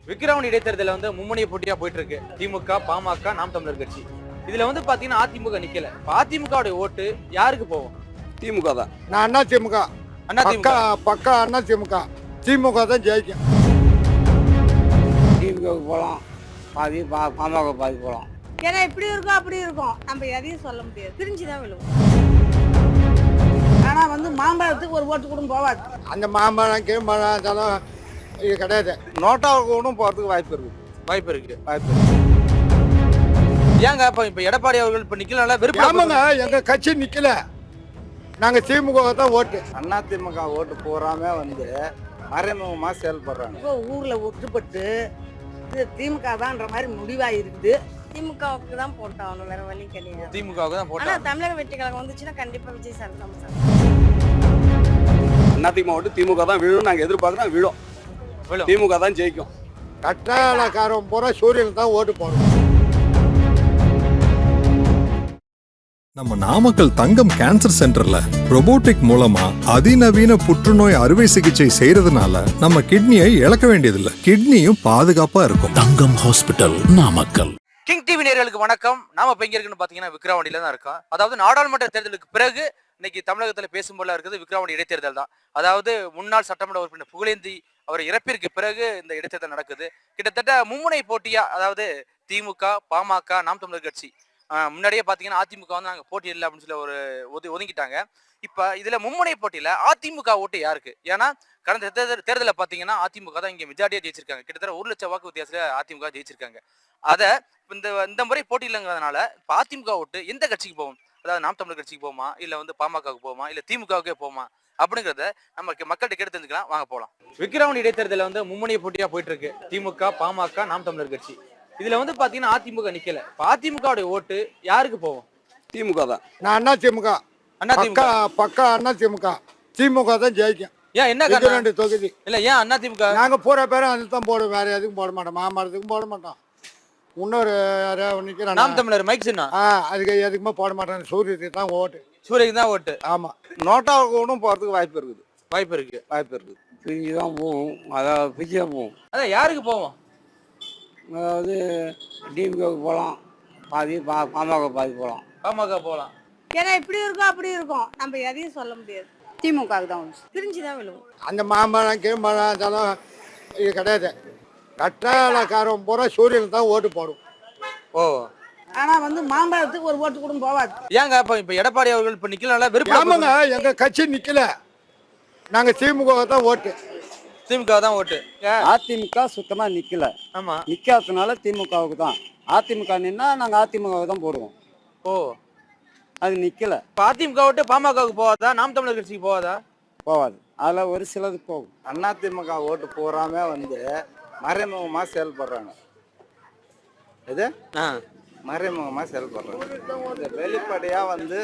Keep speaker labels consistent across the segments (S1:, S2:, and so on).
S1: விக்கிரவாண்டி இடைத்தேர்தல மும்முனைய போட்டியா போயிட்டு இருக்கு. திமுக, பாமக, நாம் தமிழர் கட்சி. இதுல பாத்தீங்கன்னா அதிமுக நிக்கல. அதிமுக ஓட்டு யாருக்கு போகும்?
S2: திமுக தான்.
S3: நான் அண்ணா திமுக. பக்கா அண்ணா திமுக. திமுக தான் ஜெயிக்கும்.
S4: திமுக போகலாம், பாதி பாமக பாதி போகலாம்.
S5: ஏன்னா இப்படி இருக்கும் அப்படி இருக்கும், நம்ம எதையும் சொல்ல முடியாது, பிரிஞ்சுதான் விழுவோம். ஆனா மாம்பழத்துக்கு ஒரு ஓட்டு கூட போவாது.
S3: அந்த மாம்பழம் கீழ்மழம் அதெல்லாம் இது கிடையாது.
S2: நோட்டாவுக்கு கூட போறதுக்கு வாய்ப்பு இருக்கு.
S1: ஏங்க இப்ப எடப்பாடி அவர்கள் இப்ப நிக்கல
S3: ஆமாங்க, எங்க கட்சி நிக்கல. நாங்க திமுக தான் ஓட்டு.
S2: அண்ணா திமுக ஓட்டு போறாம மறைமுகமா செயல்படுறாங்க.
S5: இப்போ ஊர்ல ஒட்டுப்பட்டு திமுக தான்ன்ற மாதிரி முடிவா இருக்குது.
S6: திமுகவுக்கு தான் போட்டாகணும், வேற வழி கிடையாது.
S1: திமுகவுக்கு தான்
S6: ஆனா தமிழக வெற்றி கழகம் வந்துச்சுன்னா கண்டிப்பா விஜய் சார் தான் சார்.
S2: அண்ணா திமுக ஓட்டு திமுக தான் விழும். நாங்க எதிர்பார்க்கிறோம் விழும். திமுக தான் ஜெயிக்கும்.
S3: கட்டாளக்காரன் பூரா சூரியன் தான் ஓட்டு போடணும்.
S7: நம்ம நாமக்கல் தங்கம் கேன்சர் சென்டர்ல ரோபோட்டிக் மூலமா அதிநவீன புற்றுநோய் அறுவை சிகிச்சை செய்யறதுனால நம்ம கிட்னியை இழக்க வேண்டியதில்லை. கிட்னியும் பாதுகாப்பா இருக்கும்.
S8: Thangam hospital, Namakkal.
S1: King TV நேயர்களுக்கு வணக்கம். நாம இப்ப எங்க இருக்குன்னு பாத்தீங்கன்னா விக்கிரவாண்டியில தான் இருக்கோம். அதாவது நாடாளுமன்ற தேர்தலுக்கு பிறகு இன்னைக்கு தமிழகத்துல பேசும் போல இருக்குது விக்கிரவாண்டி இடைத்தேர்தல் தான். அதாவது முன்னாள் சட்டமன்ற உறுப்பினர் புகழேந்தி அவர் இறப்பிற்கு பிறகு இந்த இடைத்தேர்தல் நடக்குது. கிட்டத்தட்ட மும்முனை போட்டியா, அதாவது திமுக, பாமக, நாம் தமிழர் கட்சி. முன்னாடியே பாத்தீங்கன்னா அதிமுக நாங்க போட்டி இல்லை அப்படின்னு சொல்லி ஒரு ஒதுங்கிட்டாங்க. இப்ப இதுல மும்முனை போட்டியில அதிமுக ஓட்டு யாருக்கு? ஏன்னா கடந்த தேர்தலில் பாத்தீங்கன்னா அதிமுக தான் இங்க மெஜாரிட்டியா ஜெயிச்சிருக்காங்க. கிட்டத்தட்ட 1 லட்சம் வாக்கு வித்தியாசத்துல அதிமுக ஜெயிச்சிருக்காங்க. அத இந்த முறை போட்டி இல்லைங்கிறதுனால இப்ப அதிமுக ஓட்டு எந்த கட்சிக்கு போகும்? அதாவது நாம் தமிழர் கட்சிக்கு போமா, இல்ல பாமகவுக்கு போமா, இல்ல திமுகவுக்கே போமா அப்படிங்கறத நம்ம மக்கள்கிட்ட கேட்டு தெரிஞ்சுக்கலாம். வாங்க போலாம். விக்கிரவாண்டி இடைத்தேர்தல மும்முனைய போட்டியா போயிட்டு இருக்கு. திமுக, பாமக, நாம் தமிழர் கட்சி. இதுல பாத்தீங்கன்னா அதிமுக நிக்கல. அதிமுக ஓட்டு யாருக்கு போகும்?
S2: திமுக தான்.
S3: நான் அண்ணா திமுக. பக்கா அண்ணா திமுக. திமுக தான் ஜெயிக்கும்.
S1: ஏன் என்ன காரணம்?
S3: தொகுதி
S1: இல்ல ஏன் அண்ணா திமுக?
S3: நாங்க போற பேரும் அது தான் போடுவோம், வேற எதுக்கும் போட மாட்டோம். மாமரத்துக்கும் போட மாட்டோம். இன்னொரு நிக்கிறேன்
S1: நாம் தமிழர் மைக் சின்ன
S3: அதுக்கு எதுக்குமே போட மாட்டேன். சூரியத்துக்கு தான் ஓட்டு.
S1: சூரியக்கு தான் ஓட்டு.
S3: ஆமா.
S2: நோட்டாவுக்கு கூட போறதுக்கு வாய்ப்பு இருக்கு.
S4: பிரிஞ்சு தான் போகும், அதாவது பிரிச்சு தான் போகும்.
S1: அதான் யாருக்கு போவோம்?
S4: அதாவது டிஎம்கேவுக்கு போகலாம், பாதி பாமக பாதி போகலாம்.
S1: பாமக போகலாம்.
S5: ஏன்னா இப்படி இருக்கும் அப்படி இருக்கும், நம்ம எதையும் சொல்ல முடியாது. திமுகவுக்கு தான்
S6: பிரிஞ்சுதான் விழுவோம்.
S3: அந்த மாம்பழம் கீழ்மழம் அதெல்லாம் இது கிடையாது. கட்டாளக்காரன் பூரா சூரியன் தான் ஓட்டு போடும்.
S1: ஓ.
S5: ஆனா மாம்பழத்துக்கு ஒரு ஓட்டு கூட போவாது.
S1: ஏங்க இப்ப எடப்பாடி அவர்கள் இப்ப நிக்கல விருப்பம்?
S3: ஆமாங்க, எங்க கட்சி நிக்கல. நாங்க திமுக தான் ஓட்டு.
S1: திமுக தான் ஓட்டு.
S4: அதிமுக சுத்தமா நிக்கல.
S1: ஆமா.
S4: நிக்காததுனால திமுகவுக்கு தான். அதிமுக நின்னா நாங்க அதிமுகவுக்கு தான் போடுவோம்.
S1: ஓ.
S4: அது நிக்கல.
S1: அதிமுக ஓட்டு பாமகவுக்கு போவாதா, நாம் தமிழர் கட்சிக்கு போவாதா?
S4: போவாது. அதுல ஒரு சிலது போகும்.
S2: அண்ணா திமுக ஓட்டு போறாம மறைமுகமா செயல்படுறாங்க. இது மறைமுகமா செயல்படுறாங்க. வெளிப்படையா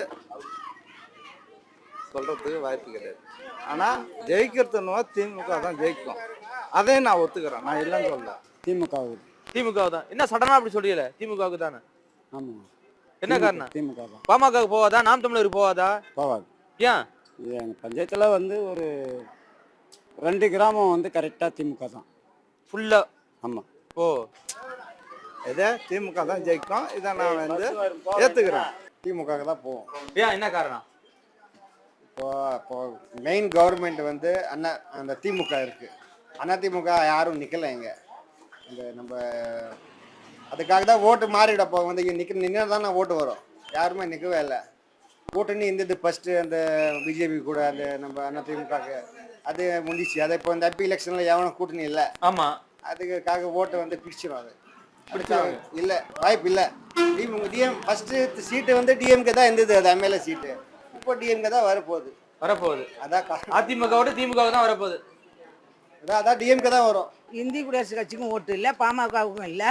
S2: சொல்றதுக்கு வாய்ப்பு கிடையாது. ஆனா ஜெயிக்கிறதுனா திமுக தான் ஜெயிக்கும். அதையும் நான் ஒத்துக்கிறேன், நான் இல்லைன்னு சொல்ல.
S1: திமுக தான். என்ன சடனா அப்படி சொல்றீல? திமுகவுக்கு தானே.
S4: ஆமா.
S1: என்ன காரணம்?
S4: திமுக தான்.
S1: பாமகவுக்கு போவாதா, நாம் தமிழருக்கு போவாதா?
S4: போவாது.
S1: ஏன்?
S4: எங்க பஞ்சாயத்துல ஒரு 2 கிராமம் கரெக்டா திமுக தான்
S1: ஃபுல்லா.
S4: ஆமா.
S1: ஓ.
S2: இதை திமுக தான் ஜெயிக்கும். இதை நான் ஏத்துக்கிறேன்.
S3: திமுக தான் போவோம்.
S1: ஏன், என்ன காரணம்?
S3: இப்போ மெயின் கவர்மெண்ட் அண்ணா அந்த திமுக இருக்கு. அண்ணா திமுக யாரும் நிக்கல இங்க. இந்த நம்ம அதுக்காக தான் ஓட்டு மாறிட போக நின்று தானே ஓட்டு வரும். யாருமே நிற்கவே இல்லை. கூட்டணி இருந்தது ஃபர்ஸ்ட் அந்த பிஜேபி கூட, அந்த நம்ம அண்ணா திமுக அது முடிச்சு. அதை இப்போ இந்த எம்பி எலெக்ஷன்ல எவனும் கூட்டணி இல்லை.
S1: ஆமா.
S3: அதுக்காக ஓட்டை பிரிச்சிடும். அது பிடிச்சாங்க இல்லை, வாய்ப்பு இல்லை. ஃபர்ஸ்ட் சீட்டு டிஎம்கே தான் இருந்தது, அது எம்எல்ஏ சீட்டு. இப்போ டிஎம்கே தான் வரப்போகுது. அதான்
S1: அதிமுக திமுக தான் வரப்போகுது.
S3: அதான் டிஎம்கே தான் வரும்.
S5: இந்திய குடியரசு கட்சிக்கும் ஓட்டு இல்லை, பாமகவுக்கும் இல்லை.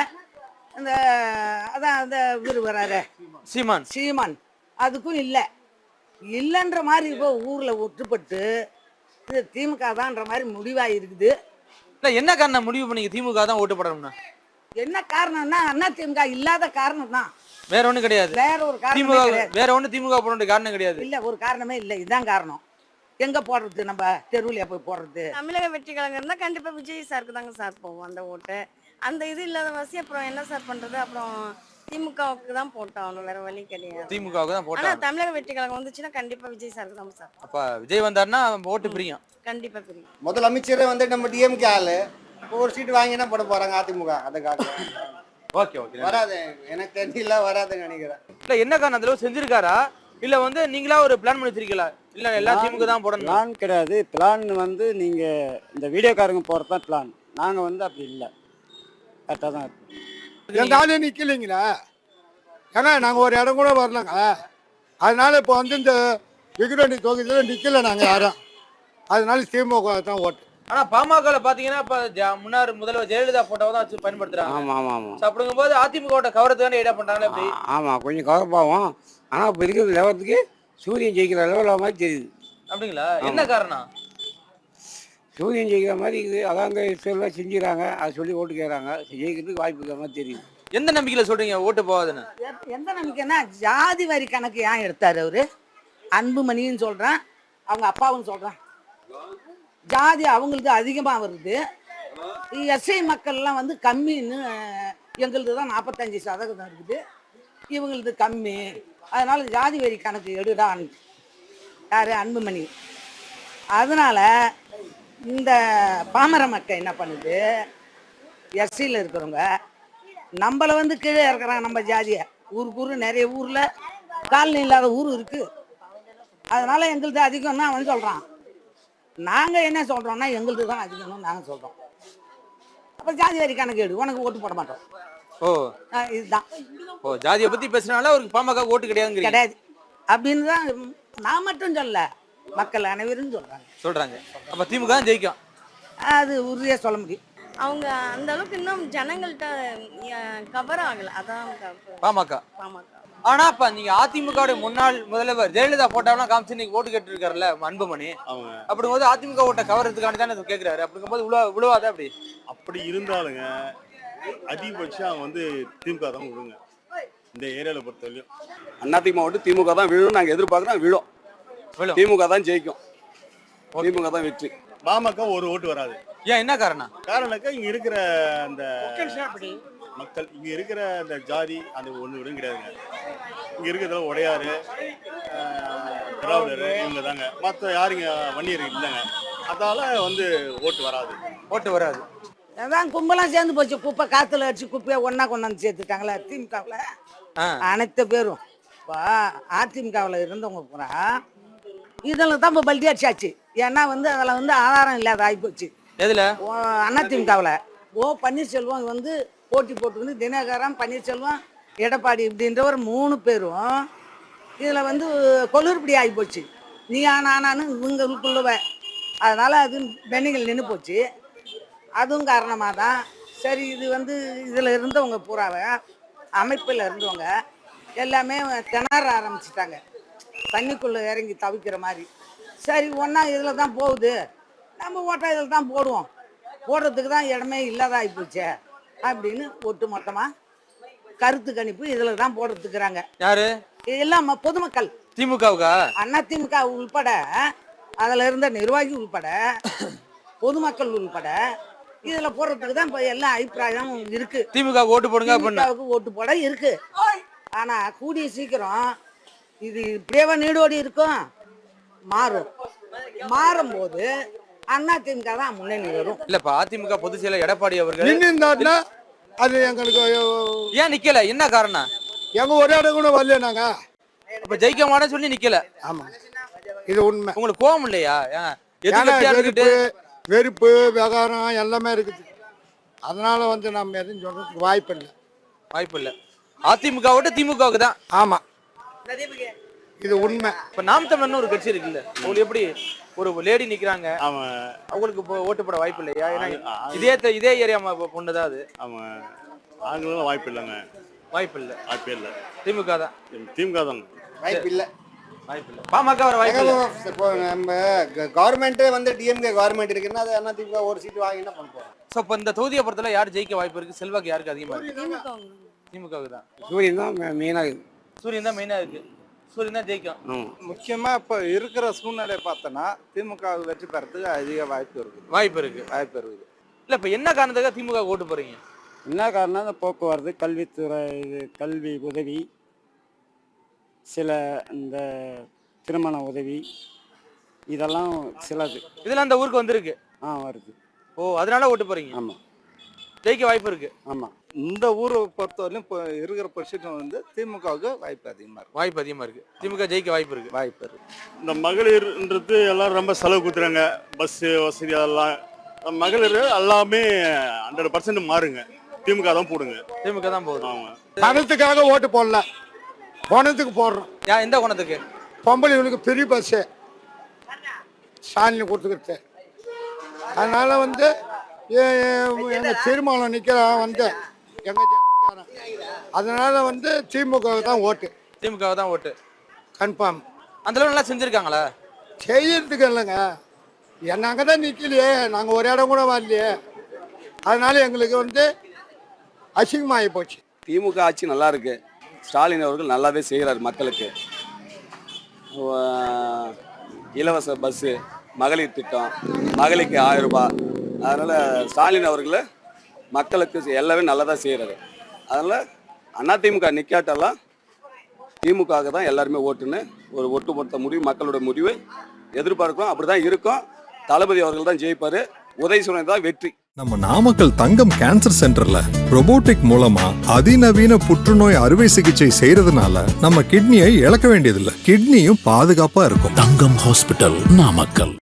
S5: அந்த இவர் வராரு சீமான், அதுக்கும் இல்லை. இல்லைன்ற மாதிரி இப்போ ஊர்ல ஒட்டுப்பட்டு திமுக தான்ன்ற மாதிரி முடிவா இருக்குது.
S1: என்ன காரணம் முடிவு பண்ணி திமுக தான் ஓட்டு போடணும்னா?
S5: என்ன காரணம்னா அண்ணா திமுக இல்லாத காரணம் தான்,
S1: வேற ஒண்ணும் கிடையாது.
S5: வேற ஒரு காரணம் கிடையாது.
S1: வேற ஒண்ணு திமுக போட காரணம் கிடையாது.
S5: இல்ல, ஒரு காரணமே இல்லை. இதுதான் காரணம். எங்க போடுறது? நம்ம தெருவுல போய் போடுறது.
S6: தமிழக வெற்றி கழகம் இருந்தா கண்டிப்பா விஜய் சாருக்கு தாங்க சார் போவோம் அந்த ஓட்டு. அந்த இது இல்லாத வாசி அப்புறம் என்ன சார் பண்றது? அப்புறம் திமுகவுக்கு தான் போட்டாகணும், வேற வழி கிடையாது.
S1: திமுகவுக்கு தான்
S6: ஆனா
S1: போட்டாங்க.
S6: தமிழக வெற்றி கழகம் வந்துச்சுன்னா கண்டிப்பா விஜய் சார் தான் சார்.
S1: அப்ப விஜய் வந்தாருன்னா ஓட்டு பிரியும்.
S6: கண்டிப்பா தெரியும்.
S3: முதலமைச்சரே வந்து நம்ம டிஎம்கே ஆளு இப்போ ஒரு சீட்டு வாங்கினா போட போறாங்க அதிமுக. அதுக்காக
S1: ஓகே ஓகே.
S3: வராது, எனக்கு தெரியல, வராதுன்னு நினைக்கிறேன்.
S1: இல்ல என்ன காரணம் அந்த அளவு செஞ்சிருக்காரா இல்ல வந்து நீங்களா ஒரு பிளான் பண்ணி வச்சிருக்கீங்களா? இல்ல எல்லா திமுக தான் போடணும்.
S4: பிளான் கிடையாது. பிளான் வந்து நீங்கள் இந்த வீடியோக்காரங்க போகிறது தான் பிளான். நாங்கள் வந்து அப்படி இல்லை, கரெக்டாக தான் இருக்கும்.
S9: எங்க ஆளே நிக்கலைங்களா? ஏங்க நாங்கள் ஒரு இடம் கூட வரலங்க. அதனால இப்போ வந்து இந்த விக்கிரவாண்டி தொகுதியில் நிக்கல நாங்கள் யாரும். அதனால திமுக தான் ஓட்டு.
S1: ஆனா பாமகல பாத்தீங்கன்னா இப்ப முன்னாள் முதல்வர் ஜெயலலிதா போட்டோவை தான் வச்சு பயன்படுத்துறாங்க.
S4: ஆமாம் ஆமாம் ஆமாம்
S1: So, அப்படிங்கும்போது அதிமுக கவரத்துக்கான ஏடா பண்றாங்களே எப்படி?
S4: ஆமாம், கொஞ்சம் கவர்ப்பாகும். ஆனால் இப்போ இருக்கிற லெவலுக்கு சூரியன் ஜெயிக்கிற லெவலில் மாதிரி தெரியுது.
S1: அப்படிங்களா? என்ன காரணம்?
S4: சூரியன் ஜெயிக்கிற மாதிரி இருக்குது. அதாங்க எல்லாம் செஞ்சுக்கிறாங்க, அதை சொல்லி ஓட்டு கேட்குறாங்க. ஜெயிக்கிறதுக்கு வாய்ப்பு இருக்கிற மாதிரி தெரியுது.
S1: எந்த நம்பிக்கையில சொல்றீங்க ஓட்டு போகாதுன்னு?
S5: எந்த நம்பிக்கைன்னா ஜாதி வரி கணக்கு ஏன் எடுத்தாரு அவரு? அன்புமணின்னு சொல்றான், அவங்க அப்பாவும் சொல்றான். ஜாதி அவங்களுக்கு அதிகமாக வருது. எஸ்ஐ மக்கள்லாம் வந்து கம்மின்னு, எங்களுக்கு தான் 45% இருக்குது, இவங்களுக்கு கம்மி. அதனால ஜாதி வரி கணக்கு எடுடான்னு யாரு? அன்புமணி. அதனால இந்த பாமர மக்கள் என்ன பண்ணுது, எஸ்சியில் இருக்கிறவங்க நம்மளை வந்து கீழே இறக்குறாங்க. நம்ம ஜாதியை ஊருக்கு நிறைய ஊரில் காலனி இல்லாத ஊர் இருக்குது. அதனால எங்களுக்கு அதிகம்னு அவன் சொல்கிறான். நாங்கள் என்ன சொல்கிறோம்னா எங்களுக்கு தான் அதிகம்னு நாங்கள் சொல்கிறோம். அப்போ ஜாதி வரி கணக்கு எடு, உனக்கு ஓட்டு போட மாட்டோம்.
S1: ஓ
S5: இதுதான்.
S1: ஓ ஜாதியை பத்தி பேசினால அவருக்கு பாமக ஓட்டு கிடையாதுங்கிறீங்க?
S5: கிடையாது அப்படின்னு தான் நான் மட்டும் சொல்ல, மக்கள் அனைவரும்
S1: சொல்றாங்க. அப்ப திமுக தான் ஜெயிக்கும்.
S5: அது உறுதியாக சொல்ல முடியும்.
S6: அவங்க அந்த அளவுக்கு இன்னும் ஜனங்கள்கிட்ட கவர் ஆகல. அதான்
S1: பாமக.
S6: பாமக.
S1: ஆனா இப்ப நீங்க அதிமுக முன்னாள் முதல்வர் ஜெயலலிதா போட்டாவெல்லாம் காமிச்சு நீங்க ஓட்டு கேட்டு இருக்காருல்ல அன்புமணி. அப்படிங்கும்போது அதிமுக ஓட்ட கவரத்துக்காண்டி தானே கேட்கிறாரு. அப்படிங்கும்போது விழுவாத அப்படி?
S10: அப்படி இருந்தாலுங்க அதிகபட்சம் அவங்க வந்து திமுக தான் விழுங்க இந்த ஏரியாவில் பொறுத்தவரையும்.
S11: அதிமுக ஓட்டு திமுக தான் விழும். நாங்கள் எதிர்பார்க்குறோம் விழும். திமுக தான் ஜெயிக்கும். திமுக தான் வெற்றி.
S10: பாமக ஒரு ஓட்டு வராது.
S1: ஏன் என்ன காரணம்?
S10: காரணம் இங்க இருக்கிற அந்த மக்கள், இங்க இருக்கிற அந்த ஜாதி அந்த ஒண்ணு விடும் கிடையாதுங்க. இங்க இருக்கிறதுல உடையாரு, திராவிடர் இவங்க தாங்க. மற்ற யாருங்க வன்னியர் இல்லைங்க. அதால வந்து ஓட்டு வராது.
S1: ஓட்டு வராது.
S5: அதான் கும்பலாம் சேர்ந்து போச்சு. குப்பை காத்துல அடிச்சு குப்பையை ஒன்னா கொண்டாந்து சேர்த்துட்டாங்களே திமுகவில் அனைத்து பேரும். இப்போ அதிமுகவில் இருந்தவங்க பூரா இதில் தான் இப்போ பல்டி அடிச்சாச்சு. ஏன்னா வந்து அதில் வந்து ஆதாரம் இல்லாத ஆகிப்போச்சு.
S1: எதுல?
S5: அதிமுகவில் பன்னீர்செல்வம் வந்து போட்டி போட்டுக்கிட்டு தினகரன், பன்னீர்செல்வம், எடப்பாடி இப்படின்ற ஒரு 3 பேரும் இதில் வந்து கொலுறுபடி ஆகி போச்சு. நீ ஆனான்னு இவங்களுக்குள்ளவ. அதனால் அது பெண்ணிகள் நின்று போச்சு. அதுவும் காரணமாக தான். சரி, இது வந்து இதில் இருந்தவங்க பூராவை அமைப்பில் இருந்தவங்க எல்லாமே திணற ஆரம்பிச்சிட்டாங்க, தண்ணிக்குள்ளே இறங்கி தவிக்கிற மாதிரி. சரி, ஒன்றா இதில் தான் போகுது, நம்ம ஓட்டை இதில் தான் போடுவோம், போடுறதுக்கு தான் இடமே இல்லாத ஆகிப்போச்சே அப்படின்னு ஒட்டு மொத்தமாக கருத்து கணிப்பு இதில் தான் போடுறதுக்குறாங்க.
S1: யாரு?
S5: எல்லாம் பொதுமக்கள்.
S1: திமுகவுக்கா?
S5: அதிமுக உள்பட, அதில் இருந்த நிர்வாகி உள்பட, பொதுமக்கள் உள்பட இதில் போடுறதுக்கு தான் இப்போ எல்லா அபிப்பிராயம் இருக்கு.
S1: திமுக ஓட்டு போடுங்க,
S5: திமுகவுக்கு ஓட்டு போட இருக்கு. ஆனால் கூடிய சீக்கிரம் இது இப்படியே நீடோடி இருக்கும், மாறும்போது அதிமுக தான் முன்னணி வரும்.
S1: இல்ல இப்ப அதிமுக பொதுச் செயலர் எடப்பாடி அவர்கள்
S9: நின்று அது எங்களுக்கு
S1: ஏன் நிக்கல? என்ன காரணம்?
S9: எங்க ஒரு இடம் கூட வரல. நாங்க
S1: இப்ப ஜெயிக்க மாட்டேன்னு சொல்லி நிக்கல.
S9: ஆமா, இது உண்மை.
S1: உங்களுக்கு கோபம் இல்லையா?
S9: வெறுப்பு விவகாரம் எல்லாமே இருக்குது. அதனால வந்து நம்ம எதுவும் சொல்றதுக்கு வாய்ப்பு இல்லை.
S1: அதிமுக விட்டு திமுகவுக்கு தான்.
S9: ஆமா, இது உண்மை.
S1: இப்ப நாம் தமிழர்னு ஒரு கட்சி இருக்குல்ல, உங்களுக்கு எப்படி ஒரு லேடி நிக்கிறாங்க, அவங்களுக்கு ஓட்டு போட வாய்ப்பு இல்லையா? இதே ஏரியா பொண்ணுதான் அது.
S10: ஆமா, ஆண்களும் வாய்ப்பு இல்லைங்க.
S1: வாய்ப்பு இல்லை. திமுக தான்.
S3: வாய்ப்பு இல்லை.
S1: பாமக வர வாய்ப்பு இல்லை.
S3: இப்போ நம்ம கவர்மெண்ட்டே வந்து டிஎம்கே கவர்மெண்ட் இருக்குன்னா அது அதிமுக ஒரு சீட்டு வாங்கி என்ன பண்ண போறோம்?
S1: ஸோ இப்போ இந்த தொகுதியை பொறுத்தவரை யார் ஜெயிக்க வாய்ப்பு இருக்கு? செல்வாக்கு யாருக்கு அதிகமாக இருக்கு? திமுகவுக்கு தான்.
S4: சூரியன் தான் மெயினாக இருக்குது.
S1: சூரியன் தான் மெயினாக இருக்கு. சூரியன் தான் ஜெயிக்கும்.
S2: முக்கியமாக இப்போ இருக்கிற சூழ்நிலை பார்த்தோன்னா திமுக வெற்றி பெறத்துக்கு அதிக வாய்ப்பு இருக்குது.
S1: இல்லை இப்போ என்ன காரணத்துக்காக திமுக ஓட்டு போறீங்க?
S4: என்ன காரணம், இந்த போக்குவரத்து, கல்வித்துறை, இது கல்வி உதவி, சில இந்த திருமண உதவி, இதெல்லாம் சிலது
S1: இதெல்லாம் அந்த ஊருக்கு வந்திருக்கு.
S4: வருது.
S1: ஓ, அதனால ஓட்டு போறீங்க.
S4: ஆமாம்
S1: ஜெயிக்க வாய்ப்பு இருக்கு.
S4: ஆமாம்.
S2: இந்த ஊரை பொறுத்தவரையிலும் இப்போ இருக்கிற பொசிஷன் வந்து திமுகவுக்கு வாய்ப்பு அதிகமாக இருக்கு.
S1: வாய்ப்பு அதிகமா இருக்கு. திமுக ஜெயிக்க வாய்ப்பு இருக்கு.
S2: வாய்ப்பு இருக்கு.
S10: இந்த மகளிர்ன்றது எல்லாரும் ரொம்ப செலவு கொடுத்துறாங்க. பஸ்ஸு வசதி அதெல்லாம் மகளிர் எல்லாமே 100% மாறுங்க. திமுக தான் போடுங்க.
S1: திமுக தான் போகுது.
S10: ஆமாம்.
S9: பணத்துக்காக ஓட்டு போடல, பணத்துக்கு போடுறோம்.
S1: எந்த குணத்துக்கு?
S9: பொம்பளைங்களுக்கு பெரிய பஸ்ஸு ஸ்டாலின் கொடுத்துக்கிட்டு, அதனால வந்து எங்கள் தீர்மானம் நிற்கிறான் வந்து எங்கள் ஜாதிக்காரன், அதனால வந்து திமுக தான் ஓட்டு.
S1: திமுக தான் ஓட்டு
S9: கன்ஃபார்ம்.
S1: அந்த அளவு நல்லா செஞ்சிருக்காங்களா?
S9: செய்யறதுக்கு இல்லைங்க, நாங்கள் தான் நிற்கலையே, நாங்கள் ஒரு இடம் கூட வரலையே, அதனால எங்களுக்கு வந்து அசிங்கமாகி போச்சு.
S11: திமுக ஆட்சி நல்லா இருக்கு. ஸ்டாலின் அவர்கள் நல்லாவே செய்கிறார் மக்களுக்கு. இலவச பஸ்ஸு, மகளிர் திட்டம், மகளிருக்கு 1000 ரூபாய். அதனால் ஸ்டாலின் அவர்கள் மக்களுக்கு எல்லாமே நல்லதாக செய்கிறாரு. அதனால் அதிமுக நிற்காட்டெல்லாம் திமுகவுக்கு தான் எல்லாருமே ஓட்டுன்னு ஒரு ஒட்டுமொத்த முடிவு, மக்களோட முடிவு எதிர்பார்க்கும். அப்படி தான் இருக்கும். தளபதி அவர்கள் தான் ஜெயிப்பார். உதயசூரியன் தான் வெற்றி.
S7: நம்ம நாமக்கல் தங்கம் கேன்சர் சென்டர்ல ரொபோட்டிக் மூலமா அதிநவீன புற்றுநோய் அறுவை சிகிச்சை செய்யறதுனால நம்ம கிட்னியை இழக்க வேண்டியதில்லை. கிட்னியும் பாதுகாப்பா இருக்கும்.
S8: தங்கம் ஹாஸ்பிட்டல், நாமக்கல்.